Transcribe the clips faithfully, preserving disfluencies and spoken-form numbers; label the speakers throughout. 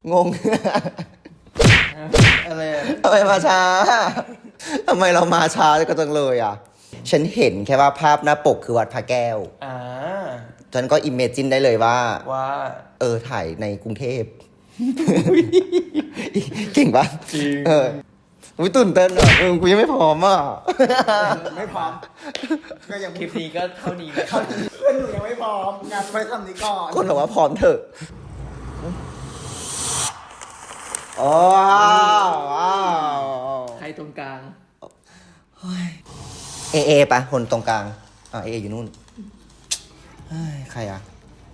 Speaker 1: งง
Speaker 2: อะไร
Speaker 1: ทำไมมาช้าทำไมเรามาช้าก็จังเลยอ่ะฉันเห็นแค่ว่าภาพหน้าปกคือวัดพระแก้ว
Speaker 2: อ่า
Speaker 1: ฉันก็อิมเมจินได้เลยว่า
Speaker 2: ว่า
Speaker 1: เออถ่ายในกรุงเทพ เก่งปะ
Speaker 2: จริง
Speaker 1: เอออุ้ยตื่นเต้นอ่ะเออกูยังไม่พร้อมอ่ะ
Speaker 3: ไม่พร้อมก็ยัง
Speaker 2: คลิปนี้ก็เท่านี้นะ
Speaker 3: เพื่อนหนูยังไม่พร้อมงานไปทำนี้ก่อน
Speaker 1: คนบอกว่าพร้อมเถอะอ๋อว้าว
Speaker 2: ใครตรงกลาง
Speaker 1: เอเอปะคนตรงกลางอ่าเออยู่นู่นเฮ้ยใครอ่ะ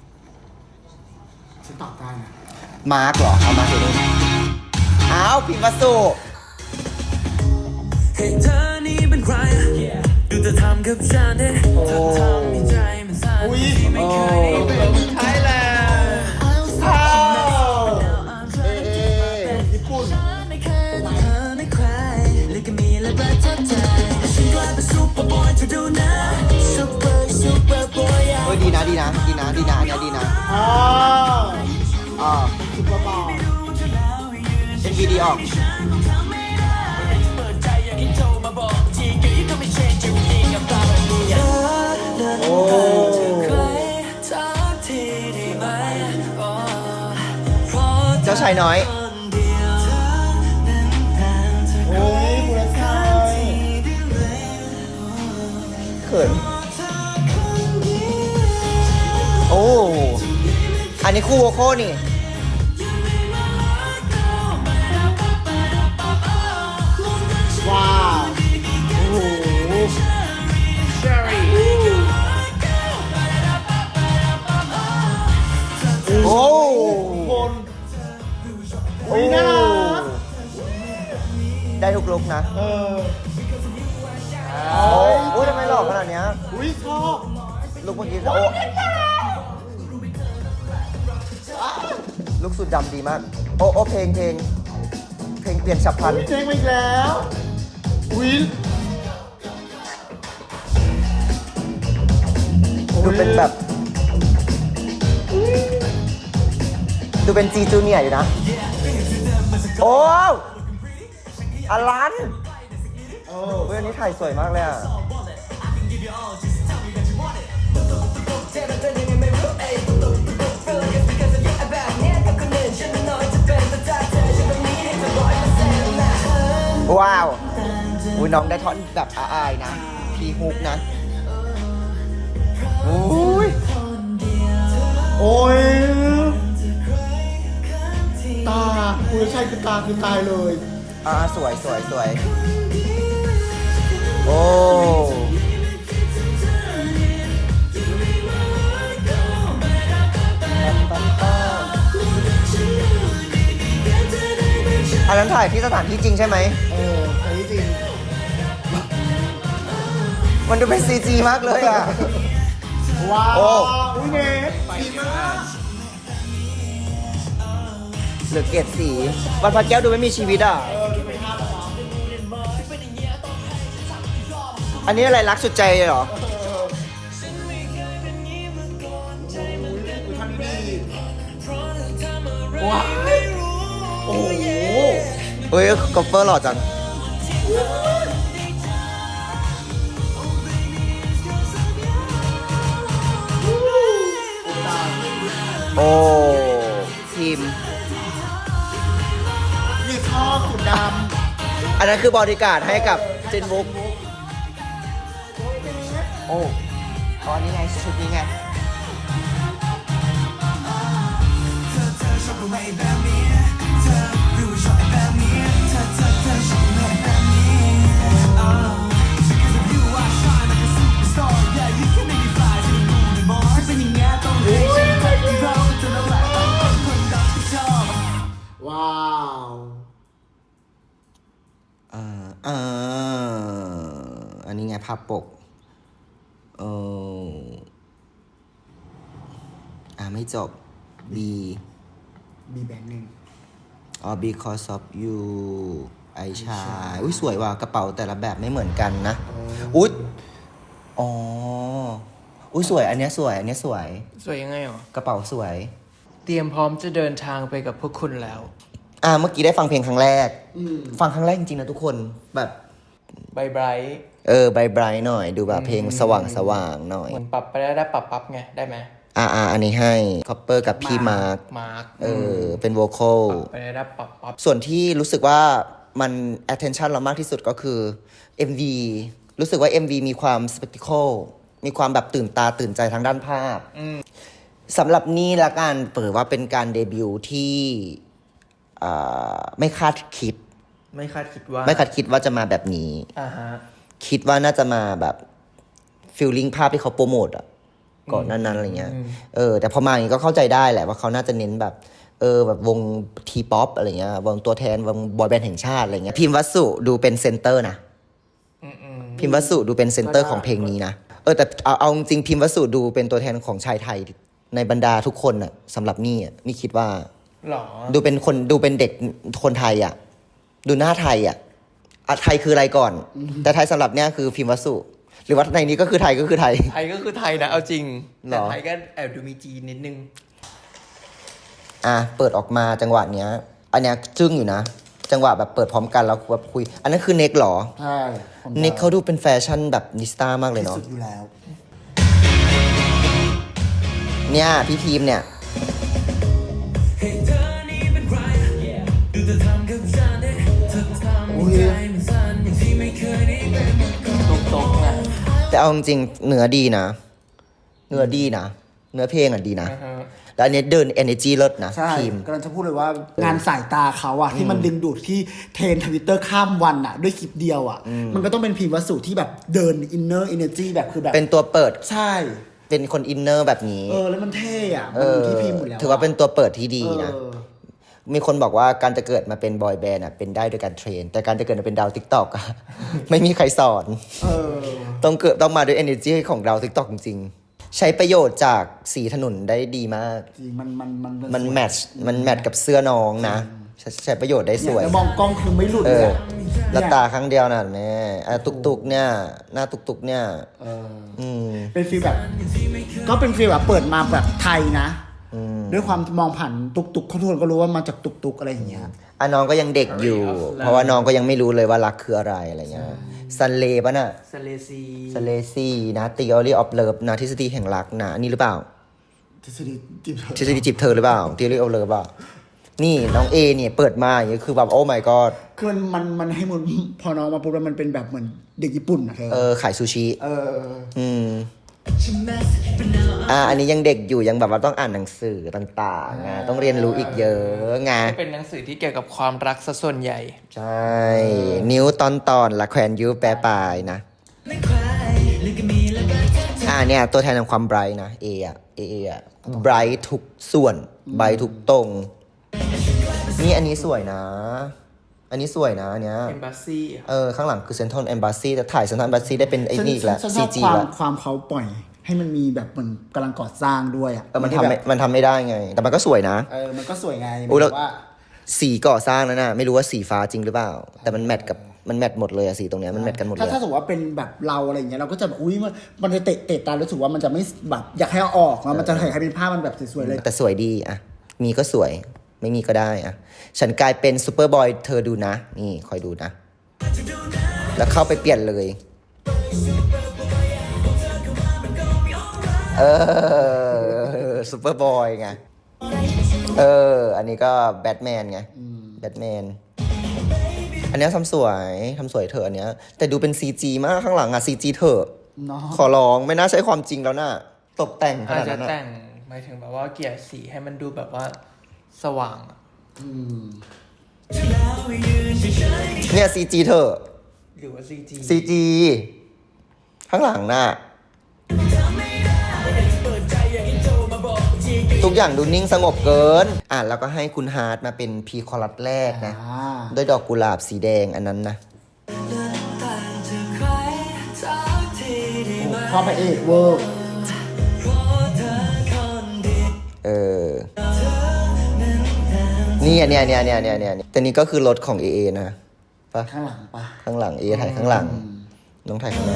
Speaker 3: ฉันตอบได้นะ
Speaker 1: มาร์กเหรอ เอามาร์กอยู่นู่นอ้าวพิมพ์มาสู่
Speaker 4: ให้เธอนี่เป็นใครดูเธอทำกับฉันเนี่ยเธอทำให้ใจมันสั่นที่ไม่เคยได้เป็น
Speaker 2: ไทยแลนด์
Speaker 1: อ้าวเอเอ
Speaker 3: ญี่ปุ่น
Speaker 4: ไม่เคยต้องเธอไม่ใครเลยก็มีและประทับใจฉันกลายเป็นซูเปอร์บอยเธอดูนะซูเปอร์ซูเปอร์บอย
Speaker 1: เฮ้ยดีนะดีนะดีนะดีนะอันเนี้ยดีนะ
Speaker 3: อ๋อ
Speaker 1: อ๋อ
Speaker 3: ซุปเปอร์บอล
Speaker 1: เป็นวีดีออก
Speaker 4: เปิดใจอย่างที่โทรมาบอกทีก็ยิ่งก็ไม่เชนจริงๆกับตาแบบนี้
Speaker 1: โอ้
Speaker 4: ใครทักทีได้ไหมอ๋อเพราะ
Speaker 1: เจ้าชายน้อย
Speaker 4: คนเดียวเธอนั้นต่างจาก
Speaker 3: โอ้ยบุรชัย
Speaker 1: เขินโอ้ อันนี้คู่โวโคนี่
Speaker 3: ว้าวโอ้โห
Speaker 2: เชอรี่
Speaker 1: โอ้
Speaker 3: คนอุ้ยน่ารัก
Speaker 1: ได้ทุกลุกนะ
Speaker 3: เออ
Speaker 1: โอ้โอ้ทำไมหล่อขนาดเนี้ย
Speaker 3: อุ้ยชอบ
Speaker 1: ลุกเมื่อกี้โอ้ลุกสุดดำดีมาก โอ้โอ้เพลงเพลงเพลงเปลี่ยนฉับพลัน
Speaker 3: อุ้ยเจ๊งมาอีกแล้วอุ้ย
Speaker 1: ดูเป็นแบบ ดูเป็นจีจูเนียร์อยู่นะ โอ้อลัน
Speaker 3: โอ้
Speaker 1: เว้ยอันนี้ถ่ายสวยมากเลยอ่ะ ว้าวอุ้ยน้องได้ท่อนแบบอายๆนะ พีฮุกนะอุ้ย
Speaker 3: โอ้ยตาบุรชัยคือตาคือตายเลย
Speaker 1: อ่าสวยสวยสวยโอ้อันนั้นถ่ายที่สถานที่จริงใช่ไหม
Speaker 3: เอออันนี้จริง
Speaker 1: มันดูเป็นซีจีมากเลยอ่ะ
Speaker 3: ว้าว
Speaker 1: โอ้
Speaker 3: อุ้ยเนทดีมาก
Speaker 1: เหลือเกรดสีวัดพระแก้วดูไม่มีชีวิตอ่ะ
Speaker 3: เออดูเป็นภาพเนาะ
Speaker 1: อันนี้อะไรรักสุดใจเลยเหรอ
Speaker 3: ทำดีว้าวโอ้โห
Speaker 1: เฮ้ยกอล์ฟเฟอร์หล่อจัง โอ้ทีม
Speaker 3: นี่ชอบสุดด
Speaker 1: อันนั้นคือบอดี้การ์ดให้กับเจนบุ๊ก
Speaker 3: ำ
Speaker 1: โอ้อ๋อนี่ไงชุดนี้ไง
Speaker 3: ว้าว
Speaker 1: อ่าอ่าอันนี้ไงภาพปกเอออ่าไม่จบ B
Speaker 3: มีแบงค์หนึ่ง
Speaker 1: อ๋อ because of you ไอชายอุ้ยสวยว่ะกระเป๋าแต่ละแบบไม่เหมือนกันนะ อุ๊ยอ๋อ อุ้ยสวย อันเนี้ยสวย อันเนี้ยสวย
Speaker 2: สวยยังไงหรอ
Speaker 1: กระเป๋าสวย
Speaker 2: เตรียมพร้อมจะเดินทางไปกับพวกคุณแล้ว
Speaker 1: อ่าเมื่อกี้ได้ฟังเพลงครั้งแรก
Speaker 3: อืม
Speaker 1: ฟังครั้งแรกจริงๆนะทุกคนแบบ
Speaker 2: ไบไบรท์
Speaker 1: เออไบไบรท์หน่อยดูแบบเพลงสว่างสว่างๆหน่อย
Speaker 2: เหมือนปรับไปได้ได้ปรับปั๊บไง ได้ไหม
Speaker 1: อ่าอ่าอันนี้ให้คอปเปอร์กับพี่มาร์ค
Speaker 2: มาร์ค
Speaker 1: เออเป็นโวคอล
Speaker 2: ไปได้ได้ปรับปั๊บ
Speaker 1: ส่วนที่รู้สึกว่ามัน attention เรามากที่สุดก็คือ เอ็ม วี รู้สึกว่า เอ็ม วี มีความ spectacle มีความแบบตื่นตาตื่นใจทางด้านภาพสำหรับนี่ละกันเปิดว่าเป็นการเดบิวต์ที่อ่าไม่คาดคิด
Speaker 2: ไม่คาดคิดว่า
Speaker 1: ไม่คาดคิดว่าจะมาแบบนี้
Speaker 2: อ่าฮะ
Speaker 1: คิดว่าน่าจะมาแบบฟิลลิ่งภาพที่เขาโปรโมทอะก่อนหนั้นๆอะไรเงี้ย เออ แต่พอมาอย่างนี้ก็เข้าใจได้แหละว่าเขาน่าจะเน้นแบบ เออแบบวงทีป๊อปอะไรเงี้ยวงตัวแทนวงบอยแบนด์แห่งชาติอะไรเงี้ยพิมพ์วัสสุดูเป็นเซนเตอร์นะ
Speaker 2: อืมอืม
Speaker 1: พิมพ์วัสสุดูเป็นเซนเตอร์ของเพลงนี้นะ เออแต่เอาเอาจริงๆพิมพ์วัสสุดูเป็นตัวแทนของชายไทยในบรรดาทุกคนอะสำหรับนี่อะนี่คิดว่า
Speaker 2: หรอ
Speaker 1: ดูเป็นคนดูเป็นเด็กคนไทยอะดูหน้าไทยอะอะไทยคืออะไรก่อน แต่ไทยสำหรับเนี่ยคือพิมพ์วัสสุหรือว่าในนี้ก็คือไทยก็คือไทย
Speaker 2: ไทยก็คือไทยนะ เอาจริง
Speaker 1: หร
Speaker 2: แต่
Speaker 1: อ
Speaker 2: ไทยก็แอบดูมีจีนนิดนึง
Speaker 1: อ่ะเปิดออกมาจังหวะเนี้ย อันเนี้ยจึ้งอยู่นะ จังหวะแบบเปิดพร้อมกันแล้วแบบคุย อันนั้นคือเน็กเหรอ
Speaker 3: ใช่ผม
Speaker 1: เน็กเขาดูเป็นแฟชั่นแบบนิสต้ามากเลย
Speaker 3: ที่
Speaker 1: เนาะ
Speaker 3: สุดอยู่แล้ว
Speaker 1: เนี่ยพี่ทีมเนี่ย
Speaker 3: อุ้ย
Speaker 2: ตรงๆอ่ะ
Speaker 1: แต่เอาจริงๆเนื้อดีนะ เนื้อดีนะ เนื้อเพลงอ่ะดีนะ
Speaker 2: อ่าฮะ
Speaker 1: แล้วอันเนี้ยเดิน energy เลิศนะ
Speaker 3: ใช่
Speaker 1: ทีม
Speaker 3: กำลังจะพูดเลยว่างานสายตาเขาอะที่มันดึงดูดที่เทรนทวิตเตอร์ข้ามวันอะด้วยคลิปเดียวอะมันก็ต้องเป็นพิมพ์วัสสุที่แบบเดินอินเนอร์อินเนอร์จีแบบคือแบบ
Speaker 1: เป็นตัวเปิด
Speaker 3: ใช่
Speaker 1: เป็นคนอินเนอร์แบบนี้
Speaker 3: เออแล้วมันเท่อะ
Speaker 1: เอ
Speaker 3: มันอ
Speaker 1: อยู่
Speaker 3: ที่พิมพ์หมดแล้วะ
Speaker 1: ถือว่าเป็นตัวเปิดที่ดีนะ
Speaker 3: เออ
Speaker 1: มีคนบอกว่าการจะเกิดมาเป็นบอยแบนด์อ่ะเป็นได้โดยการเทรน แต่การจะเกิดมาเป็นดาวทิกตอกอะ ไม่มีใครสอน
Speaker 3: เออ
Speaker 1: ต้องเกิดต้องมาด้วย energy ของดาวทิกตอกจริงๆ ใช้ประโยชน์จากสีถนนได้ดีมาก
Speaker 3: จริงมันมันมัน
Speaker 1: มันแมทช์มันแมทช์กับเสื้อน้องนะ ใช้ใช้ประโยชน์ได้ส
Speaker 3: เนี่ย
Speaker 1: วย
Speaker 3: แล้วมองกล้องคือไม่หลุด
Speaker 1: เอ
Speaker 3: เลย
Speaker 1: อ
Speaker 3: อะ
Speaker 1: แล้วตาครั้งเดียวน่ะแม่อ่ะตุกตุกๆเนี่ย หน้าตุกตุกๆเนี่ย
Speaker 3: เออ
Speaker 1: อืม
Speaker 3: เป็นฟีลแบบ ก็เป็นฟีลแบบเปิดมาแบบไทยนะ ด้วยความมองผ่านตุกตุกเขาทุกคนก็รู้ว่ามาจากตุกตุกอะไรอย่างเงี้ย
Speaker 1: อ่ะน้องก็ยังเด็กอยู่ เพราะว่าน้องก็ยังไม่รู้เลยว่ารักคืออะไรอะไรเงี้ยซันเลป่ะน่ะ
Speaker 2: สเลซี
Speaker 1: สเลซี่นะ theory of love นะทฤษฎีแห่งรักนะอันนี้หรือเปล่า
Speaker 3: ทฤษฎีจีบเธอ
Speaker 1: ทฤษฎีจีบเธอหรือเปล่า theory of love เปล่านี่น้องเอเนี่ยเปิดมาอย่างเงี้ยคือแบบโอ้ my god
Speaker 3: คือมันมันมันให้มันพอน้องมาปุ๊บแล้วมันเป็นแบบเหมือนเด็กญี่ปุ่นอะเธอ
Speaker 1: เออขายซูชิ
Speaker 3: เออ
Speaker 1: อืมอ่าอันนี้ยังเด็กอยู่ยังแบบว่าต้องอ่านหนังสือต่างๆไงต้องเรียนรู้อีกเยอะไง
Speaker 2: เป็นหนังสือที่เกี่ยวกับความรักซะส่วนใหญ่
Speaker 1: ใช่ นิ้วตอนตอนละแขวนยูแปรปลายนะ อ่าเนี่ยตัวแทนของความไบรท์นะ A อ่ะ A A อ่ะไบรท์ทุกส่วนไบรท์ทุกตรง นี่อันนี้สวยนะ อันนี้สวยนะอันเนี้ย
Speaker 2: เอมบ s สซี่
Speaker 1: เออ ข้างหลังคือเซนทรัล e อมบ s สซีแต่ถ่ายเซนทรัล e อมบ s สซีได้เป็นไอ้นี่อีกแล้ว
Speaker 3: ฉันช
Speaker 1: ซี
Speaker 3: อบ
Speaker 1: จี
Speaker 3: ความ
Speaker 1: แล้ว
Speaker 3: ความเขาปล่อย ให้มันมีแบบเหมือนกำลังก่อสร้างด้วยอ่ะ
Speaker 1: เออมันทำ
Speaker 3: แบ
Speaker 1: ไม่
Speaker 3: บ
Speaker 1: มันทำไม่ได้ไง แต่มันก็สวยนะ
Speaker 3: เออมันก็สวยไง
Speaker 1: อุ๊ยแล้ว
Speaker 3: แบบว่า
Speaker 1: สีก่อสร้างแล้วนะไม่รู้ว่าสีฟ้าจริงหรือเปล่า แต่มันแมทกับมันแมทหมดเลยอะสีตรงเนี้ยมันแมทกันหมดเล
Speaker 3: ถ้าย ถ้าสมมติว่าเป็นแบบเราอะไรอย่างเงี้ยเราก็จะแบบอุ้ยมันมันจะเตะเตะตารู้สึกว่ามันจะไม่แบบอยากให้เอาออกแล้วมันจะให้เป็นภาพมันแบบสวยๆเลย
Speaker 1: แต่สวยดีอะมีก็สวย ไม่มีก็ได้อะฉันกลายเป็นซูเปอร์บอยเธอดูนะ นี่คอยดูนะ แล้วเข้าไปเปลี่ยนเลย เออซูเปอร์บอยไง เออ อันนี้ก็แบทแมนไง แบทแมน อันเนี้ยทำสวยทำสวยเถอะอันเนี้ย แต่ดูเป็น ซี จี มากข้างหลังอะ ซี จี เถอะ
Speaker 3: เนาะ
Speaker 1: ขอร้องไม่น่าใช้ความจริงแล้วน่ะ ตกแต่งข
Speaker 2: อาจ
Speaker 1: นาด
Speaker 2: จะ
Speaker 1: นั้นอะ
Speaker 2: แต่งหมายถึงแบบว่าเกลี่ยสีให้มันดูแบบว่าสว่างอะ
Speaker 1: เนี่ย ซี จี เถอะ
Speaker 2: หรือว่า ซี จี
Speaker 1: ซี จี ข้างหลังน่ะ ทุกอย่างดูนิ่งสงบเกิน อ่ะแล้วก็ให้คุณฮาร์ดมาเป็นพีคอรัสแรกนะ
Speaker 3: อ่า
Speaker 1: ด้วยดอกกุหลาบสีแดงอันนั้นนะ
Speaker 3: พ่อพระเอกเวอร์
Speaker 1: เออ นี่อันเนี้ยเนี่ยเนี่ยเนี่ยเนี่ยแต่นี่ก็คือรถของ เอ เอ นะปะ
Speaker 3: ข้างหลังปะ
Speaker 1: ข้างหลัง เอ ถ่ายข้างหลัง น้องถ่ายข้างหน้า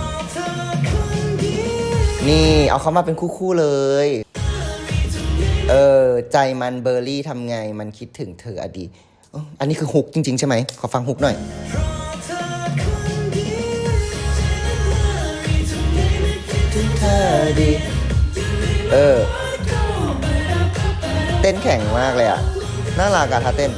Speaker 1: นี่เอาเขามาเป็นคู่ๆเลย เอออ ใจมันเบอร์รี่ทำไงมันคิดถึงเธออดีตอ๋ออันนี้คือฮุกจริง ๆ ใช่ไหม ขอฟังฮุกหน่อย เธอดีเออ เต้นแข็งมากเลยอ่ะ น่ารักอะท่าเต้น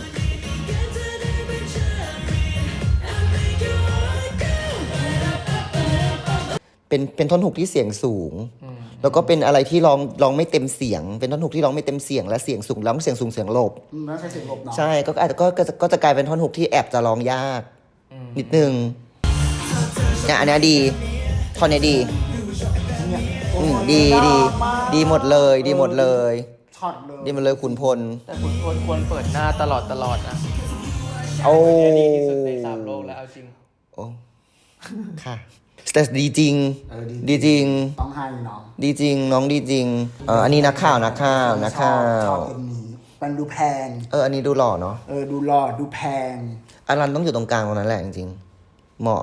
Speaker 1: เป็นเป็นท่อนฮุกที่เสียงสูง แล้วก็เป็นอะไรที่ร้องร้องไม่เต็มเสียง เป็นท่อนฮุกที่ร้องไม่เต็มเสียงและเสียงสูงร้องเสียงสูงเสียงหลบ
Speaker 3: อืมแล้วใช้เสียงลบเนาะ
Speaker 1: ใช่ก็อาจจะก็ก็จะก็จะกลายเป็นท่อนฮุกที่แอบจะร้องยาก นิดนึงเนี่ยอันเนี้ยดีท่อนเนี้ยดี
Speaker 3: เนี่ย
Speaker 1: อืมดีดีดีหมดเลย ดีหมดเลย
Speaker 3: ช็อตเลย
Speaker 1: ดีหมดเลยขุนพล
Speaker 2: แต่คุณควรควรเปิดหน้าตลอดตลอดนะ
Speaker 1: โอ้
Speaker 2: อันนี้ดีที่สุดในสามโลกแล้วเอาจริง
Speaker 1: โอ้ค่ะแต่ดีจริง
Speaker 3: เออ
Speaker 1: ดีจริง
Speaker 3: ต้องให้น้อง
Speaker 1: ดีจริง น้องดีจริงเอออันนี้นักข่าวนักข่าวนักข่า
Speaker 3: ชอ
Speaker 1: ว
Speaker 3: บตรงนี้มันดูแพง
Speaker 1: เอออันนี้ดูหล่อเนาะ
Speaker 3: เออดูหล่อดูแพง
Speaker 1: อารันต้องอยู่ตรงกลางตรงนั้นแหละจริงๆเหมาะ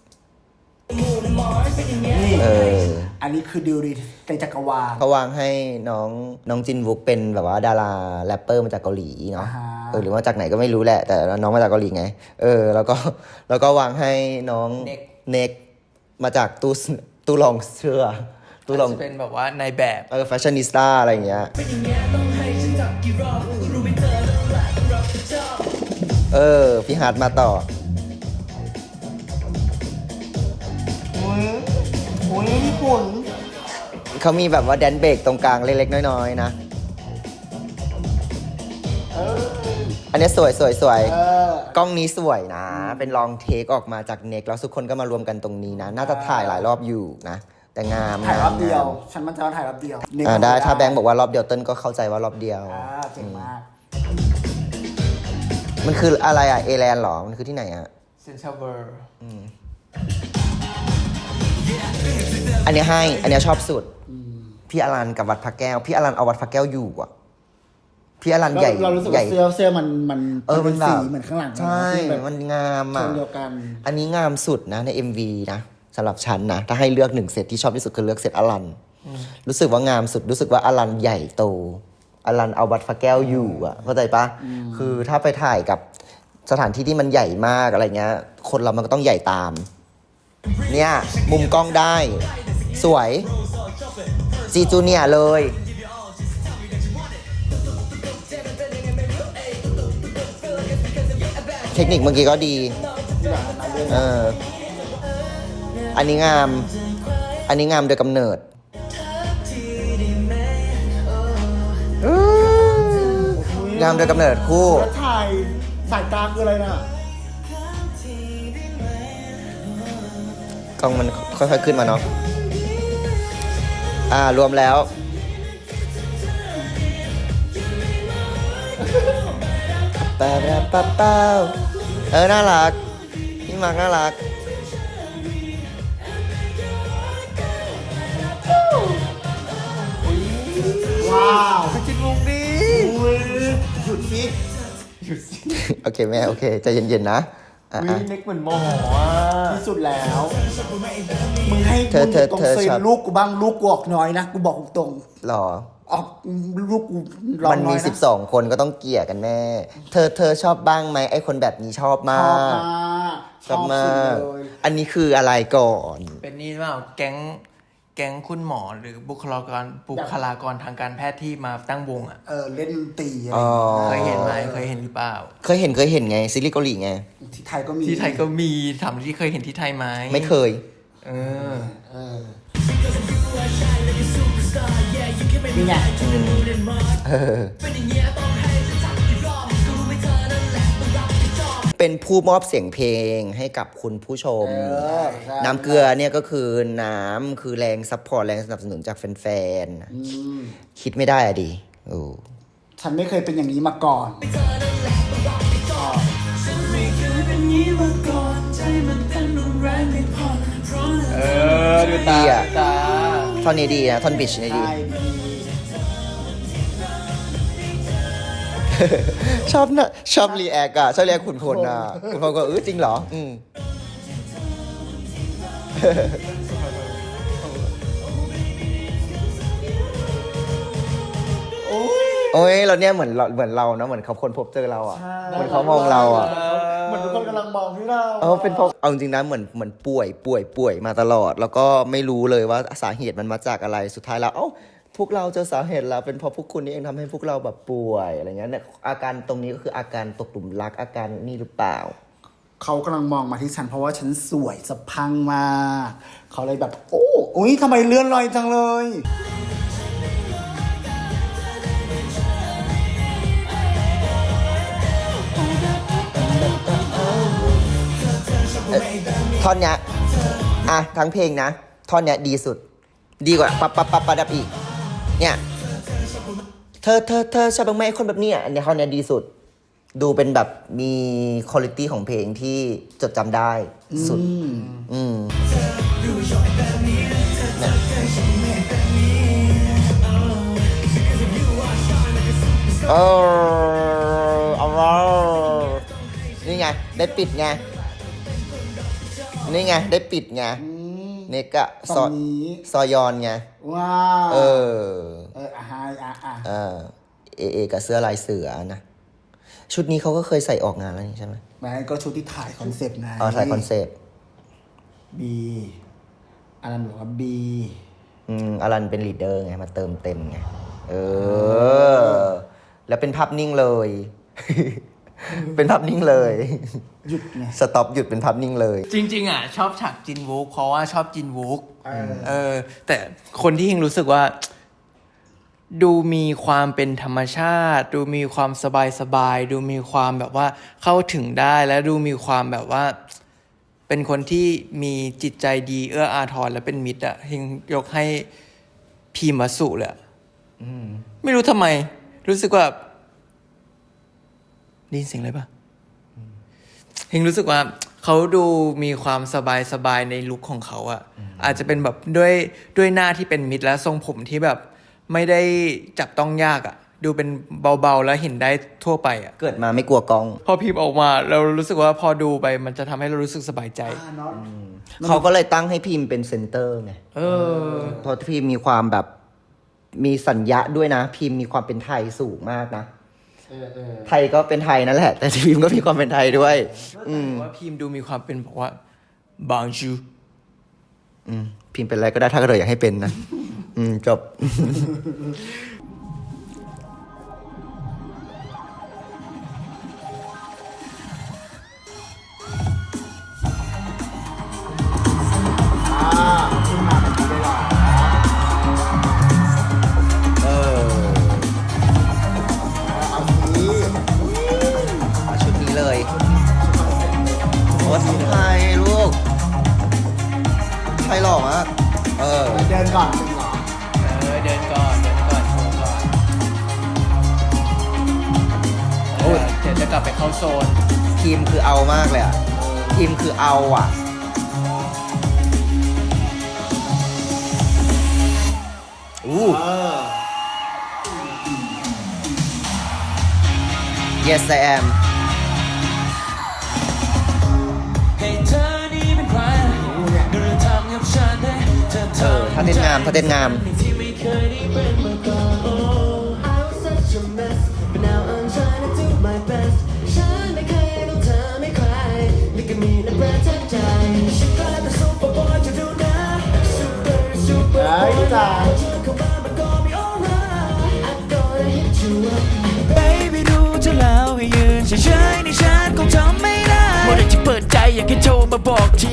Speaker 3: นี่
Speaker 1: เออ
Speaker 3: อันนี้คือดิวดีในจักรวาล
Speaker 1: เขาวางให้น้องน้องจินวุกเป็นแบบว่าดาราแรปเปอร์มาจากเกาหลีเนาะ
Speaker 3: อ่าฮะ
Speaker 1: เออหรือว่าจากไหนก็ไม่รู้แหละ แต่น้องมาจากเกาหลีไง เออ แล้วก็แล้วก็วางให้น้อง
Speaker 2: เน็ก
Speaker 1: เน็กมาจากตู้ตู้รองเสื้อตู้รอง
Speaker 2: จะเป็นแบบว่าในแบบ
Speaker 1: เออแฟชั่นนิสต้าอะไรอย่างเงี้ยเออพี่ฮาร์ดมาต่อ
Speaker 3: โอ้ยโอ้ยนี่คุณ
Speaker 1: เขามีแบบว่าแดนเบรกตรงกลางเล็กๆน้อยๆนะ อันนี้สวยสวยสวย
Speaker 3: เออก
Speaker 1: ล้องนี้สวยนะ เป็นลองเทคออกมาจากเน็กแล้วทุกคนก็มารวมกันตรงนี้นะ น่าจะถ่ายหลายรอบอยู่นะ แต่งาม
Speaker 3: ถ่ายรอบเดียว
Speaker 1: งาม
Speaker 3: ฉันมั่นใจว่าถ่ายรอบเดียว
Speaker 1: อ่าได้ถ้าแบงค์บอกว่ารอบเดียวเติ้ลก็เข้าใจว่ารอบเดียว
Speaker 3: อ่าเก่งมาก
Speaker 1: มันคืออะไรอ่ะเอแลนหรอ มันคือที่ไหนอ่ะ
Speaker 2: เซนเซอร์เวอร์
Speaker 1: อันเนี้ยให้ อันเนี้ยชอบสุด พี่อลันกับวัดพระแก้ว พี่อลันเอาวัดพระแก้วอยู่อ่ะ พี่อลันใหญ่
Speaker 3: เรารู้สึก
Speaker 1: ใหญ่
Speaker 3: ว่าเสื้อเสื้อมันมัน
Speaker 1: เออมันแบบ
Speaker 3: สีเหมือนข้างหลัง
Speaker 1: ใช่
Speaker 3: ที่แบบ
Speaker 1: มันงาม
Speaker 3: โท
Speaker 1: อ่ะ
Speaker 3: นเดียวกัน
Speaker 1: อันนี้งามสุดนะใน เอ็ม วี นะสำหรับฉันนะ ถ้าให้เลือกหนึ่งเซตที่ชอบที่สุดคือเลือกเซตอลัน รู้สึกว่างามสุด รู้สึกว่าอลันใหญ่โต อลันเอาวัดพระแก้วอยู่อ่ะ เข้าใจปะคือถ้าไปถ่ายกับสถานที่ที่มันใหญ่มากอะไรเงี้ย คนเรามันก็ต้องใหญ่ตาม เนี่ย มุมกล้องได้ สวย จีจูเนียร์เลย เทคนิคเมื่อกี้ก็ดี เออ อันนี้งาม อันนี้งามโดยกำเนิดอื้องามโดยกำเนิดคู่
Speaker 3: แล้วถ่ายสายตาคืออะไรน่ะ
Speaker 1: กล้องมันค่อยๆขึ้นมาเนาะ อ่ารวมแล้วปาปาปาปาเออ น่ารัก พี่มาร์กน่ารัก
Speaker 3: ว้าว
Speaker 1: จิตมุกดี
Speaker 3: อุ้ยหยุดสิ
Speaker 1: โอเคแม่ โอเคใจเย็นๆนะ อ่ะ
Speaker 2: วิ
Speaker 1: อ่ะ
Speaker 2: เน็กเหมือนหมออ่ะ
Speaker 3: ที่สุดแล้ว มึงให้
Speaker 1: เธอเธอ
Speaker 3: ตรง
Speaker 1: เธอ
Speaker 3: เซน
Speaker 1: ชอบ
Speaker 3: ลูกกูบ้างลูกกูออกน้อยนะ กูบอกตรง
Speaker 1: หรอ
Speaker 3: ๆออกลูกกูร้อง
Speaker 1: มัน
Speaker 3: น้
Speaker 1: มี
Speaker 3: อยนะ
Speaker 1: สิบสองคนก็ต้องเกลี่ยกันแม่ เธอเธอชอบบ้างไหมไอ้คนแบบนี้ชอบมา
Speaker 3: ชอบ
Speaker 1: ก
Speaker 3: มาก
Speaker 1: ชอบมา
Speaker 3: สุด
Speaker 1: ก
Speaker 3: เลย
Speaker 1: อันนี้คืออะไรก่อน
Speaker 2: เป็นนี่เปล่าแก๊งแก๊งคุณหมอหรือบุคลากรบุคลากรทางการแพทย์ที่มาตั้งวงอ่ะ
Speaker 3: เออเล่นดนตรีอะไร
Speaker 1: อ๋อ
Speaker 2: เคยเห็นไหมเคยเห็นหรือเปล่า
Speaker 1: เคยเห็นเคยเห็นไงซีรีส์เกาหลีไง
Speaker 3: ที่ไทยก็มี
Speaker 2: ที่ไทยก็มีถามที่เคยเห็นที่ไทยไหม
Speaker 1: ไม่เคย
Speaker 2: เออ
Speaker 3: เออนี่ไง
Speaker 1: เป็นผู้มอบเสียงเพลงให้กับคุณผู้ชม
Speaker 3: เออใช่
Speaker 1: น้ำเกลือเนี่ยก็คือน้ำคือแรงซัพพอร์ตแรงสนับสนุนจากแฟน
Speaker 3: อืม
Speaker 1: ๆ คิดไม่ได้อะดิโอ้
Speaker 3: ฉันไม่เคยเป็นอย่างนี้มาก่อน
Speaker 2: เออดูตาดูตา
Speaker 1: ท่อนนี้ดีนะท่อนบิชนี่ดี
Speaker 3: ใช่ดี
Speaker 1: ชอบนะชอบรีแอคอะชอบรีแอคขุนพลอะขุนพลก็เออจริงเหรอ อืม
Speaker 3: โอ้ย
Speaker 1: โอ้ยเราเนี่ยเหมือนเราเหมือนเรานะเหมือนเขาคนพบเจอเราอ่ะเหมือนเขามองเราอ่ะ
Speaker 3: เหมือนทุกคนกำลังมองที่เรา
Speaker 1: เออเป็นเพราะเอาจริงๆนะเหมือนเหมือนป่วยป่วยป่วยมาตลอด แล้วก็ไม่รู้เลยว่าสาเหตุมันมาจากอะไรสุดท้ายแล้วเอ้าพวกเราเจอสาเหตุแล้วเป็นเพราะพวกคุณนี่เองทำให้พวกเราแบบป่วยอะไรเงี้ยเนี่ยอาการตรงนี้ก็คืออาการตกหลุมรักอาการนี่หรือเปล่า
Speaker 3: เขากำลังมองมาที่ฉันเพราะว่าฉันสวยสะพรังมากเขาเลยแบบ โอ้อุ้ยทำไมเลื่อนลอยจังเลย
Speaker 1: ท่อนเนี้ยอ่ะทั้งเพลงนะท่อนเนี้ยดีสุด ดีกว่าปั๊บปั๊บปั๊บปั๊บดับอีกเนี่ยเธอเธอเธอชอบบ้างไหมคนแบบเนี้ยอันเนี้ยท่อนเนี้ยดีสุด ดูเป็นแบบมีคุณภาพของเพลงที่จดจำได้สุดอืมเออเอานี่ไงได้ปิดไงนี่ไงได้ปิดไงนี่ก็ซอ
Speaker 3: ตรงนี้
Speaker 1: ซอยอนไง
Speaker 3: ว้า
Speaker 1: เออ
Speaker 3: เอออ่ะฮะอ่ะอ่ะ
Speaker 1: เออเอเอกับเสื้อลายเสือนะชุดนี้เขาก็เคยใส่ออกงานแล้วนี่ใช่ไหม
Speaker 3: แม่ก็ชุดที่ถ่ายคอนเซปต์ไง
Speaker 1: อ๋อใส่คอนเซปต์
Speaker 3: บีอันนั้นบอกว่าบี
Speaker 1: อืมอลันเป็นลีดเดอร์ไงมาเติมเต็มไงเออ แล้วเป็นภาพนิ่งเลย เป็นภาพนิ่งเลย
Speaker 3: หยุดไง
Speaker 1: สต็อปหยุดเป็นภาพนิ่งเลย
Speaker 2: จริงๆอ่ะชอบฉากจินวูกเพราะว่าชอบจินวูก
Speaker 3: เออ
Speaker 2: เออ แต่คนที่ยิงรู้สึกว่า ดูมีความเป็นธรรมชาติ ดูมีความสบายสบายดูมีความแบบว่าเข้าถึงได้และดูมีความแบบว่า เป็นคนที่มีจิตใจดีเอื้ออาทรและเป็นมิตรอ่ะยิงยกให้พีมาสุเลยอะไม่รู้ทำไม รู้สึกว่าได้ยินเสียงอะไรปะเฮงรู้สึกว่าเขาดูมีความสบายสบายในลุคของเขาอะอาจจะเป็นแบบด้วยด้วยหน้าที่เป็นมิตรและทรงผมที่แบบไม่ได้จับต้องยากอะดูเป็นเบาๆแล้วเห็นได้ทั่วไปอะ
Speaker 1: เกิดมาไม่กลัวกล้อง
Speaker 2: พอพิมพ์ออกมาเรารู้สึกว่าพอดูไปมันจะทำให้เรารู้สึกสบายใจ
Speaker 3: อ่ะเนาะ
Speaker 1: เขาก็เลยตั้งให้พิมพ์เป็นเซนเตอร์ไง
Speaker 2: เออ
Speaker 1: เพราะพิมพ์มีความแบบมีสัญญาด้วยนะ พิมพ์มีความเป็นไทยสูงมากนะ
Speaker 3: เออเออ
Speaker 1: ไทยก็เป็นไทยนั่นแหละ แต่พิมพ์ก็มีความเป็นไทยด้วย อืม
Speaker 2: ว่าพิมพ์ดูมีความเป็นบอกว่าบางชู
Speaker 1: อืมพิมพ์เป็นอะไรก็ได้ถ้าเกิดอยากให้เป็นนะ อืมจบ
Speaker 3: อ่าขึ้นมาแบบนี้เลยเหรอ
Speaker 1: เออ
Speaker 3: เอาสิ
Speaker 1: เอาชุดนี้เลยโอ้สไทยลูกไทยหล่อมากเออ
Speaker 3: ไปเดินก่อนจริงเหรอ
Speaker 2: เออเดินก่อนเดินก่อนโชว์ก่อน
Speaker 1: โอ้ย
Speaker 2: เดี๋ยวจะกลับไปเข้าโซน
Speaker 1: ทีมคือเอามากเลยอ่ะ ทีมคือเอาอ่ะ อู้
Speaker 3: เออ
Speaker 1: yes I am
Speaker 4: ให้เธอนี้เป็นใครเดินทางกับฉันได้เธอ
Speaker 1: เออถ้าเต้นงามถ้าเต้นงาม
Speaker 4: ที่ไม่เคยได้เป็นมาก่อน Oh I was such a mess but now I'm trying to do my best ฉันไม่เคยต้องเธอไม่ใครนี่ก็มีนะประทับใจฉันกลายเป็นซูเปอร์บอยจะดูนะ Super Super
Speaker 3: เฮ้ยจ้า
Speaker 4: เธอเข้ามามันก็ไม่ alright I'm gonna hit you up Baby ดูเธอแล้วให้ยืนเฉยๆในฉันคงทำไม่ได้เมื่อไรจะเปิดใจอยากให้โทรมาบอกที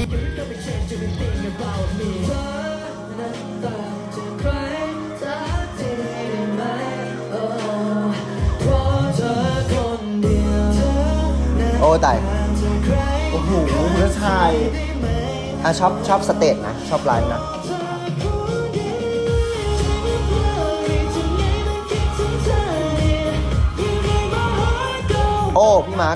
Speaker 1: โอ้ตาย
Speaker 3: โอ้โหเพื่อชาย
Speaker 1: อ่ะชอบชอบสเตจนะ ชอบไลฟ์นะ โอ้ พี่มาร์ค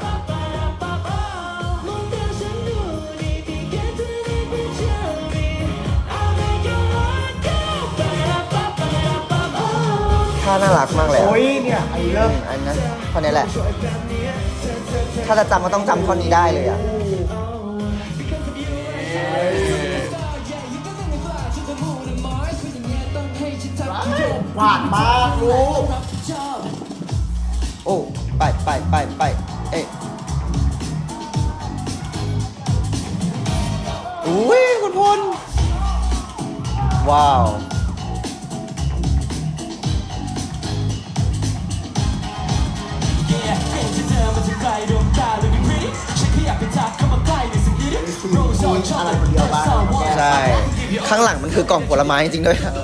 Speaker 1: ท่าน่ารักมากเลยอะ
Speaker 3: โอ้ยเนี่ยไอ้เริ่ม
Speaker 1: อันนั้นท่อนนี้แหละ ถ้าจะจำก็ต้องจำท่อนนี้ได้เลยอ่ะ
Speaker 3: หวานมากลูก
Speaker 1: อ้ไปไปไปไปเอ๊ะอุ้ยคุณพลว้าว
Speaker 3: อะไรคนเดียวบ้าง
Speaker 1: ใช่ ข้างหลังมันคือกล่องผลไม้จริงๆด้วยนะ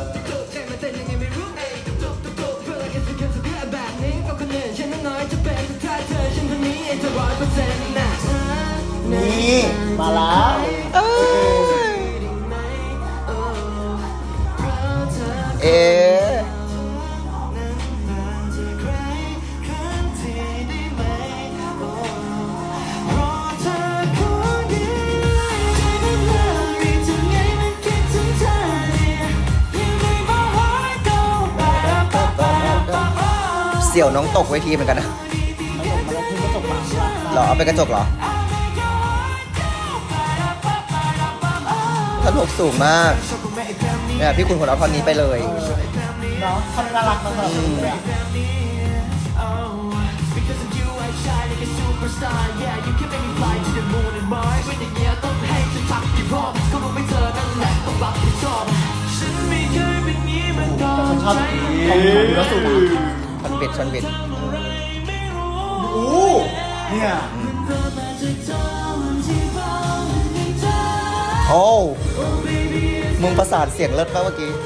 Speaker 3: นี่มาแล้ว
Speaker 1: เอ๊ะเสี่ยวน้องตกเวทีเหมือนกันนะเหรอเอาไปกระจกเหรอท่านหกสูงมากเนี่ยพี่คุณคนเอาท่อนนี้ไปเลย
Speaker 3: เนาะเขาน่ารักมากเลยอะ แต่ฉันชอบของของเนื้อสุดนะ
Speaker 1: ชอนเบ็ดชอนเบ็ด
Speaker 3: โอ้เนี่ย
Speaker 1: โอ้มึงประสานเสียงเลิศมากเมื่อกี้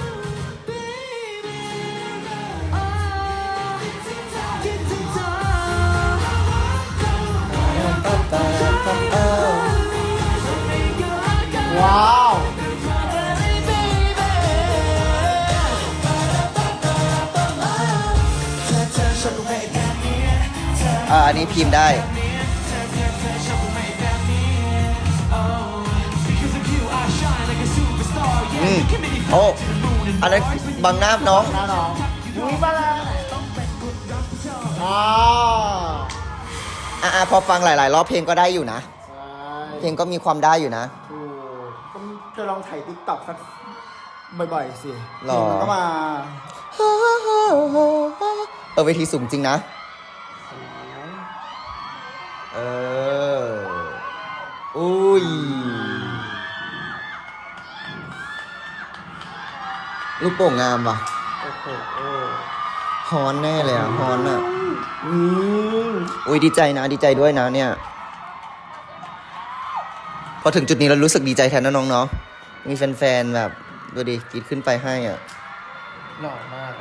Speaker 3: ว้าว
Speaker 1: อ่าอันนี้พิมพ์ได้อืมโอ้อันนั้นบังหน้าน้อง
Speaker 3: หน้าน้องอุ้ยมาแล้วอ่า
Speaker 1: อ่าพอฟังหลาย ๆ รอบเพลงก็ได้อยู่นะ
Speaker 3: ใช่
Speaker 1: เพลงก็มีความได้อยู่นะ
Speaker 3: ถูกก็จะลองถ่ายติ๊กต็อกสักบ่อยๆสิ
Speaker 1: หรอ
Speaker 3: เพลงมันก็มา
Speaker 1: เออเวทีสูงจริงนะ เออ อุ้ย ลูกโป่งงามว่ะ
Speaker 3: โอ้โห
Speaker 1: ฮอนแน่เลยอ่ะฮอนอ่ะ
Speaker 3: อืม
Speaker 1: อุ้ยดีใจนะ ดีใจด้วยนะเนี่ย พอถึงจุดนี้เรารู้สึกดีใจแทนนะน้องเนาะมีแฟนๆแบบดูดิกรีดขึ้นไปให้อ่ะ
Speaker 2: หล่อมากอะ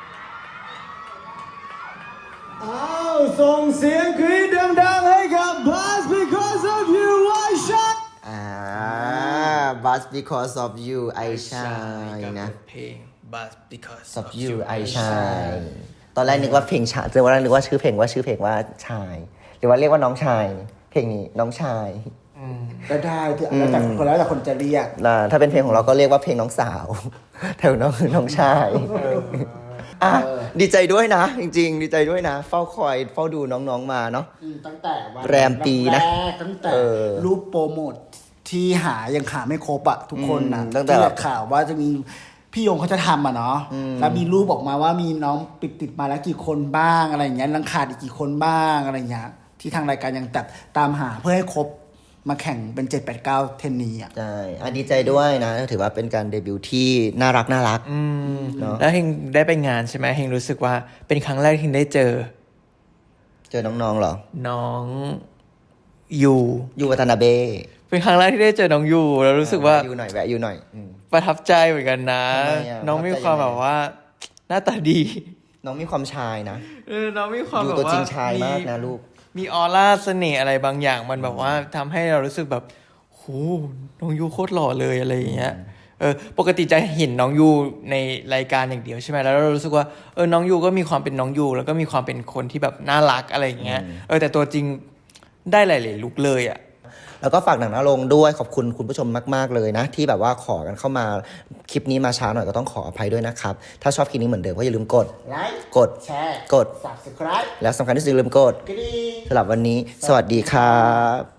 Speaker 4: อ้าวส่งเสียงกรี๊ดดังๆให้กับ Buzz because of you I shine
Speaker 1: อ่า but because of you I
Speaker 2: กับ
Speaker 1: shine นะ
Speaker 2: เพลง But because
Speaker 1: of you I shine ตอนแรกนึกว่าเพลงชายตอนแรกนึกว่าชื่อเพลงว่าชื่อเพลงว่าชาย หรือว่าเรียกว่าน้องชาย เพลงนี้น้องชาย
Speaker 3: ก็ได้คือแล้วแต่คนแล้วแต่คนจะเรียก
Speaker 1: นะถ้าเป็นเพลงของเราก็เรียกว่าเพลงน้องสาว แถวน้องคือน้องชายอ่ะดีใจด้วยนะ จริงๆ ดีใจด้วยนะ เฝ้าคอยเฝ้าดูน้องๆมาเนาะ
Speaker 3: อืมตั้งแต่วัน
Speaker 1: แรมปีนะ
Speaker 3: แรกตั้งแต่
Speaker 1: เออ
Speaker 3: รูปโปรโมทที่หายังหาไม่ครบอะทุกคนนะ
Speaker 1: อืมตั้งแต่
Speaker 3: ที่ข่าวว่าจะมีพี่ยงเขาจะทำอะเนาะแล้วมีรูปออกมาว่ามีน้องปิดติดมาแล้วกี่คนบ้างอะไรอย่างเงี้ยยังขาดอีกกี่คนบ้างอะไรอย่างเงี้ยที่ทางรายการยังตัดตามหาเพื่อให้ครบมาแข่งเป็นเจ็ดแปดเก้าเทนนีอะ
Speaker 1: ใช่อ่ะดีใจด้วยนะ ถือว่าเป็นการเดบิวต์ที่น่ารักน่ารัก
Speaker 2: อืม
Speaker 1: เนอะ
Speaker 2: แล้วเฮงได้ไปงานใช่ไหมเฮงรู้สึกว่าเป็นครั้งแรกที่เฮงได้เจอ
Speaker 1: เจอน้องๆเหรอ
Speaker 2: น้องยู
Speaker 1: ยูวัตนาเบะ
Speaker 2: เป็นครั้งแรกที่ได้เจอน้องยูแล้วรู้สึกว่า
Speaker 1: ยูหน่อยแวะยูหน่อยอืม
Speaker 2: ประทับใจเหมือนกันนะ
Speaker 1: ทำไมอะ
Speaker 2: น้องมี
Speaker 1: ประทับใจ
Speaker 2: ความ
Speaker 1: ยังไง
Speaker 2: แบบว่า หน้าตาดี
Speaker 1: น้องมีความชายนะ
Speaker 2: เออน้องมีความ
Speaker 1: ยู
Speaker 2: แบบ
Speaker 1: ตัว
Speaker 2: ว่า
Speaker 1: จริงชายมากนะลูก
Speaker 2: มีออร่าเสน่ห์อะไรบางอย่างมันแบบว่าทำให้เรารู้สึกแบบโหน้องยูโคตรหล่อเลยอะไรอย่างเงี้ยเออปกติจะเห็นน้องยูในรายการอย่างเดียวใช่ไหมแล้วเรารู้สึกว่าเออน้องยูก็มีความเป็นน้องยูแล้วก็มีความเป็นคนที่แบบน่ารักอะไรอย่างเงี้ยเออแต่ตัวจริงได้หลายๆลุคเลยอ่ะ
Speaker 1: แล้วก็ฝากหนังหน้าโรงด้วยขอบคุณคุณผู้ชมมากๆเลยนะ ที่แบบว่าขอกันเข้ามาคลิปนี้มาช้าหน่อยก็ต้องขออภัยด้วยนะครับ ถ้าชอบคลิปนี้เหมือนเดิมก็อย่าลืมกด
Speaker 3: ไลค์
Speaker 1: กด
Speaker 3: แชร์
Speaker 1: กด
Speaker 3: subscribe
Speaker 1: แล้วสำคัญที่สุดอย่าลืมกด
Speaker 3: กระดิ่ง
Speaker 1: สำหรับวันนี้ สวัสดีครับ